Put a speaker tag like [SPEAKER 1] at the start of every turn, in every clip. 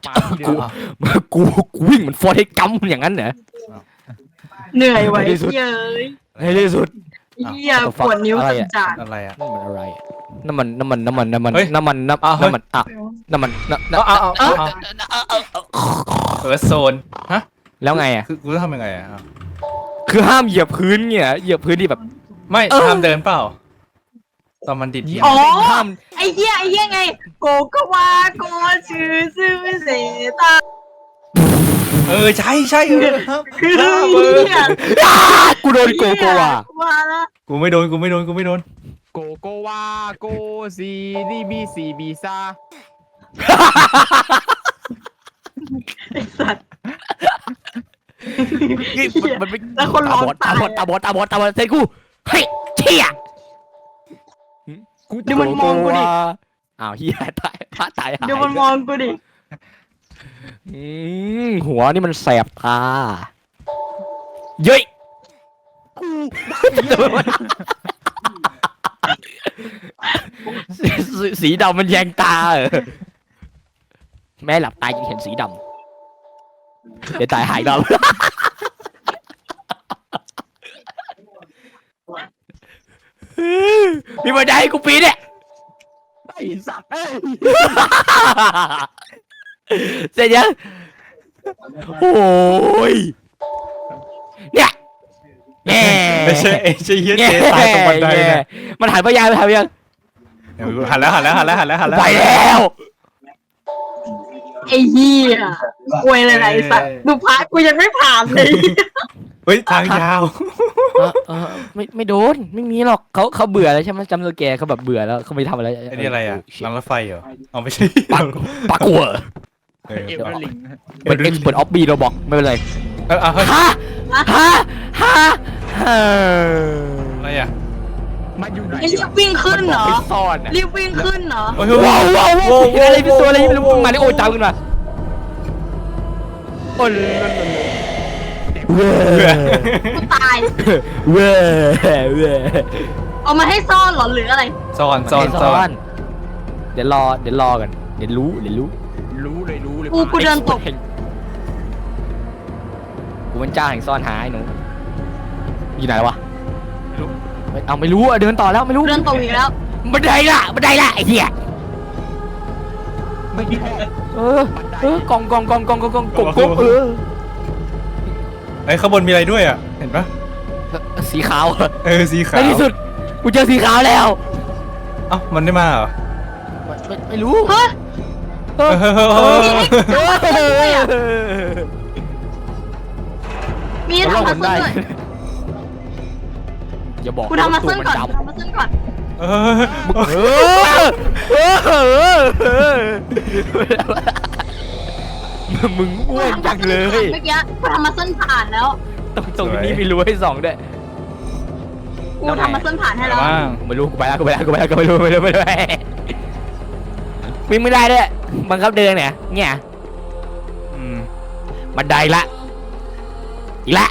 [SPEAKER 1] มาที่เดิม
[SPEAKER 2] กูวิ่งเหมือนฟอร์เรสต์กัมป์อย่างนั้นเหรอ
[SPEAKER 3] เหนื่อยไว้
[SPEAKER 2] ในที่สุด
[SPEAKER 3] เย้ย
[SPEAKER 2] ในที่สุด
[SPEAKER 3] เหี้ยปวดนิ้วจัด
[SPEAKER 1] อะไรอ่ะ
[SPEAKER 2] นั่นมันอะไรน้ำมันน้ำมัน
[SPEAKER 1] เฮ้ย
[SPEAKER 2] น้ำมันน้ำ
[SPEAKER 1] อ้าวเฮ้ย
[SPEAKER 2] มันอ่ะน้ำมันน้ำ
[SPEAKER 1] โซนฮะ
[SPEAKER 2] แล้วไงอ่ะ
[SPEAKER 1] คือกูต้องทำยังไงอ่ะ
[SPEAKER 2] คือห้ามเหยียบพื้นเนี่ยเหยียบพื้นที่แบบ
[SPEAKER 1] ไม่ห้ามเดินเปล่าตอนมันดิด
[SPEAKER 3] อ๋อ
[SPEAKER 2] ห้าม
[SPEAKER 3] ไอ้เหี้ยไงโกโกวาโกชื่อซื่อเสตา
[SPEAKER 1] ใช่ครับ
[SPEAKER 3] คือ
[SPEAKER 1] ห้าม
[SPEAKER 3] เหี้ย
[SPEAKER 2] กูโดนโกโกวา
[SPEAKER 3] ว่าละ
[SPEAKER 1] กูไม่โดน
[SPEAKER 4] โกโกวาโกซีดีบีซีบีซา
[SPEAKER 3] ไอ้สัตว์
[SPEAKER 2] มันไม่
[SPEAKER 3] แล้วคนร้อง
[SPEAKER 2] ตาบอดตาบอดเซ็นกูเฮ้ยเชี่ย
[SPEAKER 3] ดูมันมองกูดิ
[SPEAKER 2] อ้าวเฮียตายพระตายหาย
[SPEAKER 3] ดูมันมองกูดิ
[SPEAKER 2] หัวนี่มันแสบตาเย้ยสีดำมันแยงตาแม่หลับตายังเห็นสีดำเดี๋ยวตายหายดำมีบันไดให้กูปีนเนี่ย
[SPEAKER 4] ไอ้สัตว์เอ้ย
[SPEAKER 2] เสร็จยังโอ้ยเนี่ยแง่
[SPEAKER 1] ไม่ใช่เฮียเจตายตรงบันไดเนี่ย
[SPEAKER 2] มันหันไปยังหันไปยัง
[SPEAKER 1] หันแล้ว
[SPEAKER 2] ไปแล้ว
[SPEAKER 3] ไอ้เหี้ยอวยอะไรไอ้สัตว์ดูพระกูยังไม่ผ่านเลย
[SPEAKER 1] เฮ้ยทางยาว
[SPEAKER 2] ไม่โดนไม่มีหรอกเขาเบื่อแล้วใช่ไหมจำตัวแกเขาแบบเบื่อแล้วเขาไม่ทำอะไร
[SPEAKER 1] ไอ้นี่อะไรอ่ะรางรถไฟเหรอเอาไม่ใช่
[SPEAKER 2] ปักกัว
[SPEAKER 1] เออ
[SPEAKER 4] เอเวอร์ลิง
[SPEAKER 2] เป็นเอ็กซ์เปิดออฟบีเราบอกไม่เป็นไร
[SPEAKER 1] เฮ้ย
[SPEAKER 2] ฮะ
[SPEAKER 1] อะไรอ่ะ
[SPEAKER 4] มาอยู่ไหน
[SPEAKER 3] ไอ้รีบวิ่งขึ้นเหรอ
[SPEAKER 2] ไปซ่อนอ่ะ
[SPEAKER 3] รีบวิ่งขึ้นเหรอ
[SPEAKER 2] ว้าวอะไรเป็นตัวอะไรไม่รู้มาในโอ้ยตามขึ้นมาโอ้ยเว้ย
[SPEAKER 3] กูตาย
[SPEAKER 2] เว้ย
[SPEAKER 3] เอามาให้ซ่อนเหรอหรืออะไร
[SPEAKER 1] ซ่อน
[SPEAKER 2] เดี๋ยวรอกันเดี๋ยวรู้
[SPEAKER 4] รู้เลย
[SPEAKER 3] กูเดินตก
[SPEAKER 2] กูเป็นเจ้าแห่งซ่อนหาไอ้หนูอยู่ไหนวะไม่รู้อ่ะเดินต่อแล้วไม่รู้
[SPEAKER 3] เดินตกอีกแล้ว
[SPEAKER 2] บันไดละไอ้เหี้ย
[SPEAKER 4] ไม่มี
[SPEAKER 2] กองก
[SPEAKER 1] ไอ้ข้างบนมีอะไรด้วยอ่ะเห็นปะ
[SPEAKER 2] สีขาว
[SPEAKER 1] สีขาว
[SPEAKER 2] ในที่สุดกูเจอสีขาวแล้ว
[SPEAKER 1] เอ้ามันได้มาเหรอ
[SPEAKER 2] ไม่รู้
[SPEAKER 3] เฮ้ย มีทำมาซึ่งด้วย
[SPEAKER 2] อย่าบอก
[SPEAKER 3] กูทำมาซึ่งก่อนทำมาซึ่งก่อน
[SPEAKER 2] มึงอ้วนจังเลย
[SPEAKER 3] เมื่อกี้กูทำมาซึ่งผ่านแล้ว
[SPEAKER 2] ตรงนี้มีรั้วให้ส่องด้วย
[SPEAKER 3] กูทำมาซึ่งผ่านให้แล้ว
[SPEAKER 1] บ้าง
[SPEAKER 2] ไม่รู้กูไปแล้วไม่รู้วิ่งไม่ได้ด้วยบังคับเดินเนี่ยบันไดละอีกละ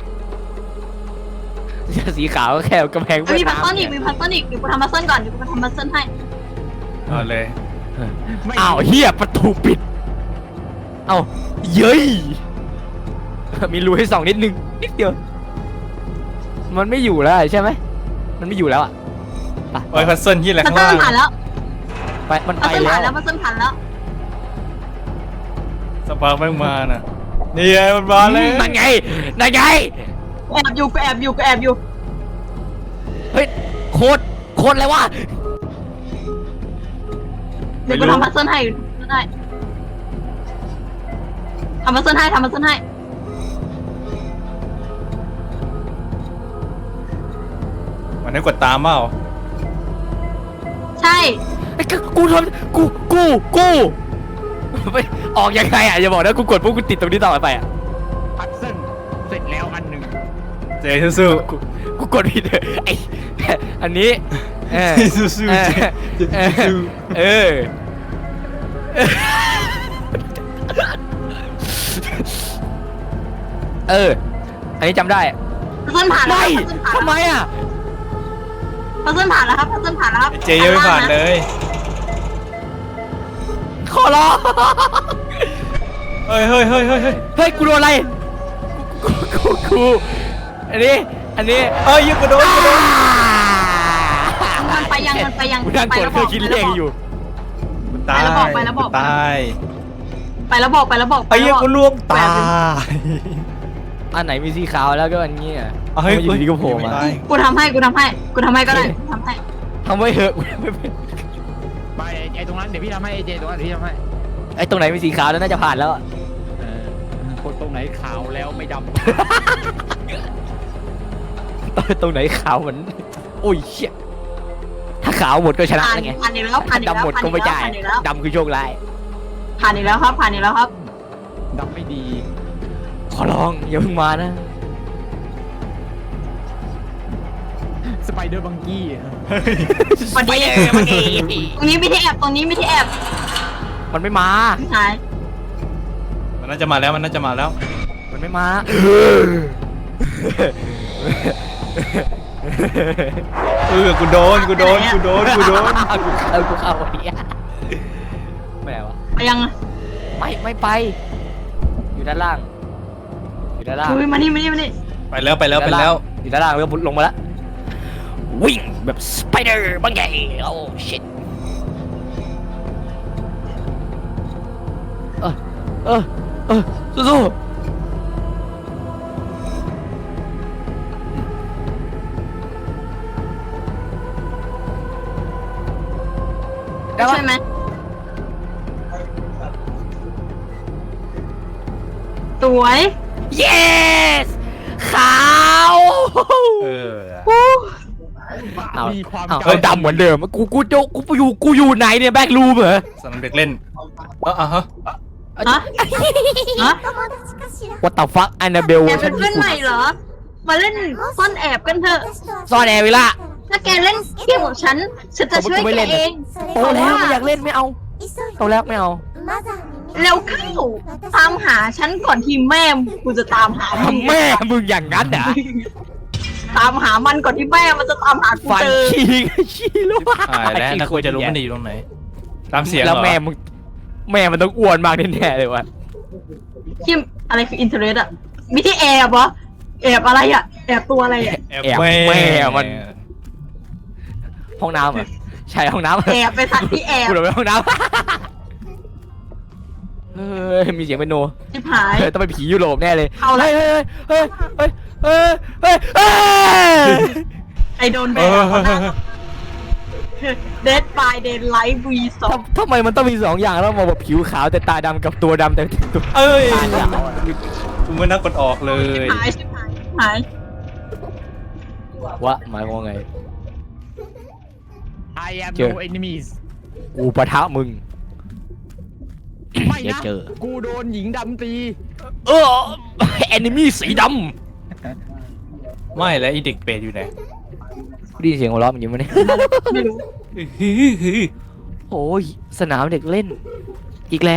[SPEAKER 2] สีขาวก็แค่กำแพง
[SPEAKER 3] มีพัซเซิลอีกเดี๋ยวกูทำมาซึ่งก่อนเดี๋ยวกูทำมาซึ่งให้
[SPEAKER 1] เอาเลย
[SPEAKER 2] อ้าวเฮียประตูปิดเอ้าเย้ยมีรูให้ส่องนิดนึงนิดเดียวมันไม่อยู่แล้วใช่ไหมมันไม่อยู่แล้วอ่ะ
[SPEAKER 1] โอ้ยพัซเซิลที่อะไร
[SPEAKER 3] พัซ
[SPEAKER 1] ข้าง
[SPEAKER 3] เซิล
[SPEAKER 1] ล่าง
[SPEAKER 3] ผ่านแล้ว
[SPEAKER 2] ไปมัน
[SPEAKER 3] พั
[SPEAKER 2] ไป
[SPEAKER 3] ซเซิล
[SPEAKER 2] แล้
[SPEAKER 3] ผ่านแล้ว วพัซเซิลผ่านแล้ว
[SPEAKER 1] สปาร์กแม่งมาน่ะนี่ไงมันมาเลย
[SPEAKER 2] นั่นไง
[SPEAKER 3] แอบอยู่กูแอบอยู่
[SPEAKER 2] เฮ้ยโคตรอะไรวะ
[SPEAKER 3] เดี๋ยวกูทำพัซเซิลให้ได้ทำพัซเซิลให้
[SPEAKER 1] มันได้กดตามเปล่า
[SPEAKER 3] ใช่
[SPEAKER 2] กูทำกูไปออกยังไงอ่ะอย่าบอกนะกูกดปุ๊บกูติดตรงนี้ต่อไปอ่ะ
[SPEAKER 4] พัดเส้นเสร็จแล้วอันหนึ่ง
[SPEAKER 1] เจสู้
[SPEAKER 2] กูกดผิดไออันนี้
[SPEAKER 1] ๆสู้ๆเจสู้
[SPEAKER 2] อันนี้จำได้
[SPEAKER 3] พัซเซิลผ่านแล้ว
[SPEAKER 2] ไม่
[SPEAKER 3] พัซเซิลผ่าน
[SPEAKER 2] ทำไมอ่ะ
[SPEAKER 3] พัซเซิลผ่านแล้วครับพัซเซิลผ่านแล้วครับ
[SPEAKER 1] เจยังไม่ผ่านเลย
[SPEAKER 2] ขอร้อง
[SPEAKER 1] เฮ้ยเฮ้ยเฮ้ยเฮ้ยเฮ้ย
[SPEAKER 2] เฮ้ยกูโดนอะไรกูอันนี้
[SPEAKER 1] เอ้ยยิงกูโดน
[SPEAKER 3] มันไปยัง
[SPEAKER 2] กูนั่งกดเครื่องคิดเลขอยู่
[SPEAKER 1] ตาย
[SPEAKER 3] ไปแล้วบอก
[SPEAKER 1] ตาย
[SPEAKER 3] ไปแล้วบอก
[SPEAKER 1] ไอ้ยังกูล่วงตาย
[SPEAKER 2] อันไหนมีสีขาวแล้วก็อันนี้อ่ะ
[SPEAKER 1] เฮ้ย
[SPEAKER 2] อยู่ดีก็โผล่มา
[SPEAKER 3] กูทำให้ก็ได้ทำให้
[SPEAKER 2] ทำไว้เหอะกูไม่เป็น
[SPEAKER 4] ไปไอ้ตรงนั้นเดี๋ยวพี่ทำให้ไอ้เจตรงนั้นเดี๋ยวพี่ทำให้
[SPEAKER 2] ไอ้ตรงไหนมีสีขาวแล้วน่าจะผ่านแล้ว
[SPEAKER 4] คนตรงไหนขาวแล้วไม่ด
[SPEAKER 2] ตรงไหนขาวเหมือนโอ้ยเชี่ยถ้าขาวหมดก็ชนะแล้วไง
[SPEAKER 3] ผ่านอีกแล้ว
[SPEAKER 2] ดำหมดก็ไม่ได้ดำคือโชคร้าย
[SPEAKER 3] ผ่านอีกแล้วครับ
[SPEAKER 4] ำดำไม่ดี
[SPEAKER 2] ขอร้องอย่าเพิ่งมานะ
[SPEAKER 4] สไปเดอร์บังกี้
[SPEAKER 3] วันนี้ตรงนี้มีที่แอบ
[SPEAKER 2] มันไม่มา
[SPEAKER 3] หาย
[SPEAKER 1] มันน่าจะมาแล้วมันน่าจะมาแล้ว
[SPEAKER 2] มันไม่มา
[SPEAKER 1] กูโดน
[SPEAKER 2] กูเข้าเนี้ยไม่ไหนวะ
[SPEAKER 3] ไปยัง
[SPEAKER 2] ไม่ไป อยู่ด้านล่าง
[SPEAKER 3] มานี่
[SPEAKER 1] ไปแล้ว
[SPEAKER 2] อยู่ด้านล่างแล้วลงมาแล้ววิ่งแบบสไปเดอร์บางใหญ่โอ้ชิตสู้ได้ปะ
[SPEAKER 3] ใช่ไหมสวย
[SPEAKER 2] yes ขาว
[SPEAKER 4] มีความ
[SPEAKER 2] ดำเหมือนเดิมกูอยู่ไหนเนี่ยแบ็กรูมเหรอ
[SPEAKER 1] สนามเด็กเล่นฮะ
[SPEAKER 3] ฮะ
[SPEAKER 2] What the fuck อันนาเบล
[SPEAKER 3] แกเป็นเพื่อนใหม่เหรอ มาเล่นซ่อนแอบกันเถอะ
[SPEAKER 2] ซ่อนแอบเวลา
[SPEAKER 3] ถ้าแกเล่นเกมของฉันจะช่วยแกเอง
[SPEAKER 2] โตแล้วไม่อยากเล่นไม่เอาโตแล้วไม่เอา
[SPEAKER 3] แล้วเข้าตามหาฉันก่อนที่แม่กูจะตามหามึง
[SPEAKER 2] แม่มึงอย่างนั้นเหรอ
[SPEAKER 3] ตามหามันก่อนที่แม่มันจะตามหากู
[SPEAKER 2] ฟัน
[SPEAKER 3] เจอ
[SPEAKER 2] ขี้ลูก
[SPEAKER 1] แล้วนะกูจะรู้มันอยู่ตรงไหนตามเสียง
[SPEAKER 2] แล้วแม่มันต้องอ้วนมากแน่ๆเลยวะ
[SPEAKER 3] คิมอะไรคืออินเทอร์เน็ตอะมีที่แอบเหรอแอบอะไรอะแอบตัวอะไรอะ
[SPEAKER 1] แอบแม่มัน
[SPEAKER 2] ห้องน้ำเหรอใช่ห้องน้ำ
[SPEAKER 3] แอบไปสัตว์ที่แอบ
[SPEAKER 2] กูเลยไปห้องน้ำมีเสียงเป็นโน
[SPEAKER 3] ชิบหาย
[SPEAKER 2] ต้องเป็นผียุโรปแน่เลย
[SPEAKER 3] เอาละ
[SPEAKER 2] เฮ้ย
[SPEAKER 3] ไอโดนแบนเดดบายเดนไลท์วีสอง
[SPEAKER 2] ทำไมมันต้องมี2อย่างแล้วมาแบบผิวขาวแต่ตาดำกับตัวดำแต่ตัว
[SPEAKER 1] เอ้ย
[SPEAKER 2] ตาขาว
[SPEAKER 1] กูไม่น่ากดออกเลย
[SPEAKER 3] ชิบหาย
[SPEAKER 2] วะหมายความว่าไง
[SPEAKER 4] I am
[SPEAKER 2] เจอ
[SPEAKER 4] no enemies
[SPEAKER 2] กูปะทะมึง
[SPEAKER 4] ไม่
[SPEAKER 2] อย่า
[SPEAKER 4] นะ
[SPEAKER 2] เจอ
[SPEAKER 4] กูโดนหญิงดำตี
[SPEAKER 2] แอนิมี่สีด
[SPEAKER 1] ไม่แล้วไอเด็กเป็ดอยู่ไหน
[SPEAKER 2] ำได้ยินเสียงหัวเราะมันอยู่มั้ยเนี่ย
[SPEAKER 3] ไม่รู้
[SPEAKER 2] โอ้ยสนามเด็กเล่น อีกแล้ว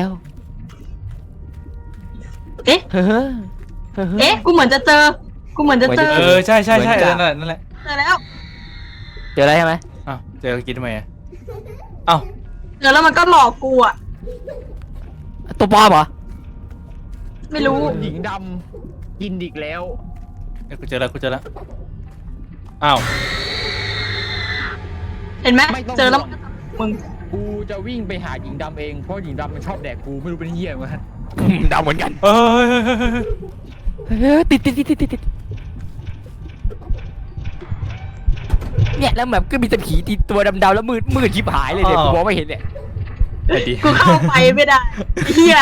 [SPEAKER 3] เอ๊ะ
[SPEAKER 2] เฮ้อ
[SPEAKER 3] กูเหมือนจะเจอ
[SPEAKER 1] ใช่นั่นแหละ
[SPEAKER 3] เจอแล้ว
[SPEAKER 2] เจออะไรใช่ไหม
[SPEAKER 1] อ้าวเจอกินทำไมอ้าว
[SPEAKER 3] เจอแล้วมันก็หลอกกูอะ
[SPEAKER 2] ตัวปลอมเหรอ
[SPEAKER 3] ไม่รู้
[SPEAKER 4] โดนหญิงดำกินอีกแล้ว
[SPEAKER 1] กูเจอแล้วอ้าว
[SPEAKER 3] เห็นไหม
[SPEAKER 4] ไม่ต้อง
[SPEAKER 3] เจอแล้วมึง
[SPEAKER 4] กูจะวิ่งไปหาหญิงดำเองเพราะหญิงดำมันชอบแดกกูไม่รู้เป็นเหี้ยมั้ง
[SPEAKER 2] ดำเหมือนกัน ติดเนี่ยแล้วแบบก็มีแต่ผีตีตัวดำๆแล้วมืดชิบหายเลยเนี่ยกูมองไม่เห็นเนี่ย
[SPEAKER 3] กูเข้าไปไม่ได้เฮีย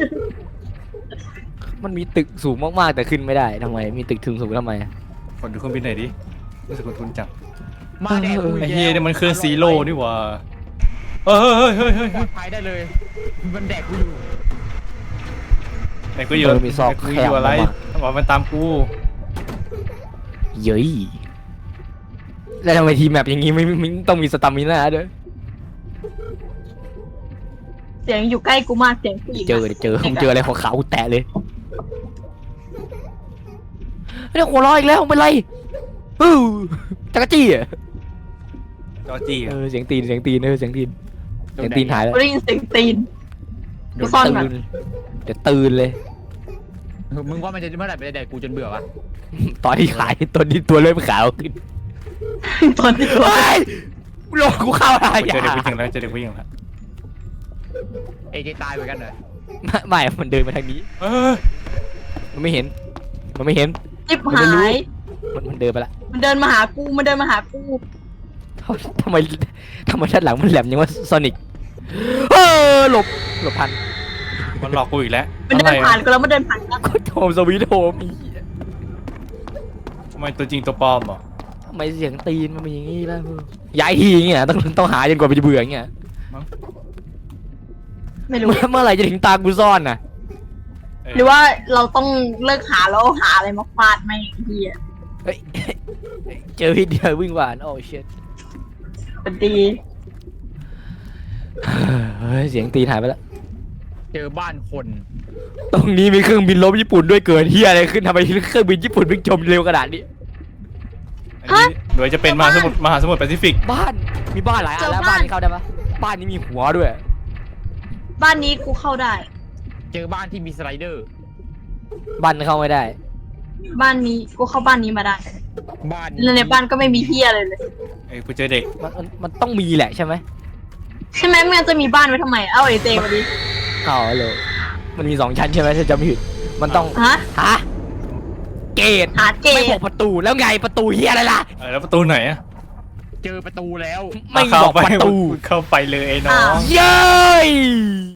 [SPEAKER 2] มันมีตึกสูงมากๆแต่ขึ้นไม่ได้ทำไมมีตึกถึงสูงทำไม
[SPEAKER 1] ขอดูเครื่องบินหน่อยดิรู้สึกคุ้นจัง
[SPEAKER 4] มาแดกกู
[SPEAKER 1] ไอ้
[SPEAKER 4] อีก
[SPEAKER 1] เฮีย
[SPEAKER 4] แล้ว
[SPEAKER 1] นี่มันเครื่องซีโร่นี่หว่าเฮ้ย
[SPEAKER 4] ปลอดภัยได้เลยมันแดกกูอยู่
[SPEAKER 1] แต่กูอยู่อะไรบอกมันตามกู
[SPEAKER 2] เย้ยแล้วทำไมทีมแมปอย่างงี้ไม่ต้องมีสตามิน่าด้วย
[SPEAKER 3] เสียงอยู่ใกล้กูมากเสียงผู้หญิง
[SPEAKER 2] เจออะไรของขาวกูแตะเลยเนี่ยหัวเราะอีกแล้วเป็นไรจักรจี้อ่ะ
[SPEAKER 1] จอจี้
[SPEAKER 2] เสียงตีนหายแล้ว
[SPEAKER 3] กูได้ยินเสียงตีนกูซ่อนก่อน
[SPEAKER 2] เดี๋ยวตื่นเลย
[SPEAKER 4] มึงว่ามันจะเมื่อไหร่ไปแดกกูจนเบื่อวะ
[SPEAKER 2] ตอนที่ขายตัวนี้ตัวเริ่มขาวขึ้น
[SPEAKER 3] ตอนนี้ตัว
[SPEAKER 2] เฮ้ยโลกกูเข้าอะไร
[SPEAKER 1] เจอเด็กผู้หญิ
[SPEAKER 2] อ่ะ
[SPEAKER 1] งแล้วเจอเด็กผู้หญิงแล้ว
[SPEAKER 4] เอเจตายเหมือนกันเหรอ
[SPEAKER 2] ไม่มันเดินมาทางนี้
[SPEAKER 1] เออ
[SPEAKER 2] มันไม่เห็น มันไม่เห็น
[SPEAKER 3] จิบหาย
[SPEAKER 2] มันเดินไปละ
[SPEAKER 3] มันเดินมาหากูมันเดินมาหากู
[SPEAKER 2] ทำไมด้านหลังมันแหลมยังว่าโซนิกหลบทัน
[SPEAKER 1] มันหลอกกูอีกแล้ว
[SPEAKER 3] มันเดินผ่านกูแล้วมันเดินผ่านกัน
[SPEAKER 2] ก็โฮมสวีทโฮม
[SPEAKER 1] ทำไมตัวจริงตัวปลอมเหรอ
[SPEAKER 2] ทำไมเสียงตีนมันเป็นอย่างงี้ล่ะย้ายทีอย่างเงี้ยต้องหาจนกว่ามันจะเบื่ออย่างเงี้ย
[SPEAKER 3] ไม่รู้
[SPEAKER 2] เมื่อไหร่จะถึงตากูซ่อนน่ะ
[SPEAKER 3] หรือว่าเราต้องเลิกหาแล้วหาอะไรมาฟาดไม่งไอ้เฮีย
[SPEAKER 2] เฮ้ยเจอพี่เดียววิ่งหวานโอ้เชิด
[SPEAKER 3] เป็นดี
[SPEAKER 2] เฮ้ยเสียงตีนหายไปแล้ว
[SPEAKER 4] เจอบ้านคน
[SPEAKER 2] ตรงนี้มีเครื่องบินลบญี่ปุ่นด้วยเกิดเฮียอะไรขึ้นทำไมเครื่องบินญี่ปุ่นวิ่งจมเร็วขนาดนี้
[SPEAKER 1] อันนี้โดยจะเป็นมหาสมุทรแปซิฟิก
[SPEAKER 2] บ้านมีบ้านหลายอันแล้วบ้านนี้เข้าได้ปะบ้านนี้มีหัวด้วย
[SPEAKER 3] บ้านนี้กูเข้าได้
[SPEAKER 4] เจอบ้านที่มีสไลเดอร์
[SPEAKER 2] บ้านเข้าไม่ได้
[SPEAKER 3] บ้านนี้กูเข้าบ้านนี้มาได้
[SPEAKER 4] บ้าน
[SPEAKER 3] แล้วในบ้านก็ไม่มีเฮียอะไรเลย
[SPEAKER 1] เอ้ยกูเจอเด็ก
[SPEAKER 2] มันต้องมีแหละใช่ไหม
[SPEAKER 3] ใช่ไหมมันจะมีบ้านไว้ทำไมเอ้าไอ้เจมาดิ
[SPEAKER 2] เอาเลยมันมี2 ชั้นใช่ไหมถ้าจำไม่ผิดมันต้อง
[SPEAKER 3] ฮะ
[SPEAKER 2] ฮะเกต
[SPEAKER 3] หาเก
[SPEAKER 2] ไม่บอ
[SPEAKER 3] ต
[SPEAKER 2] กประตูแล้วไงประตูเฮียอะไรล่ะ
[SPEAKER 1] แล้วประตูไหนอะ
[SPEAKER 4] เจอประตูแล้ว
[SPEAKER 2] ไม่บอกประตู
[SPEAKER 1] เข้าไปเลยไอ้น้อง
[SPEAKER 2] เย้ย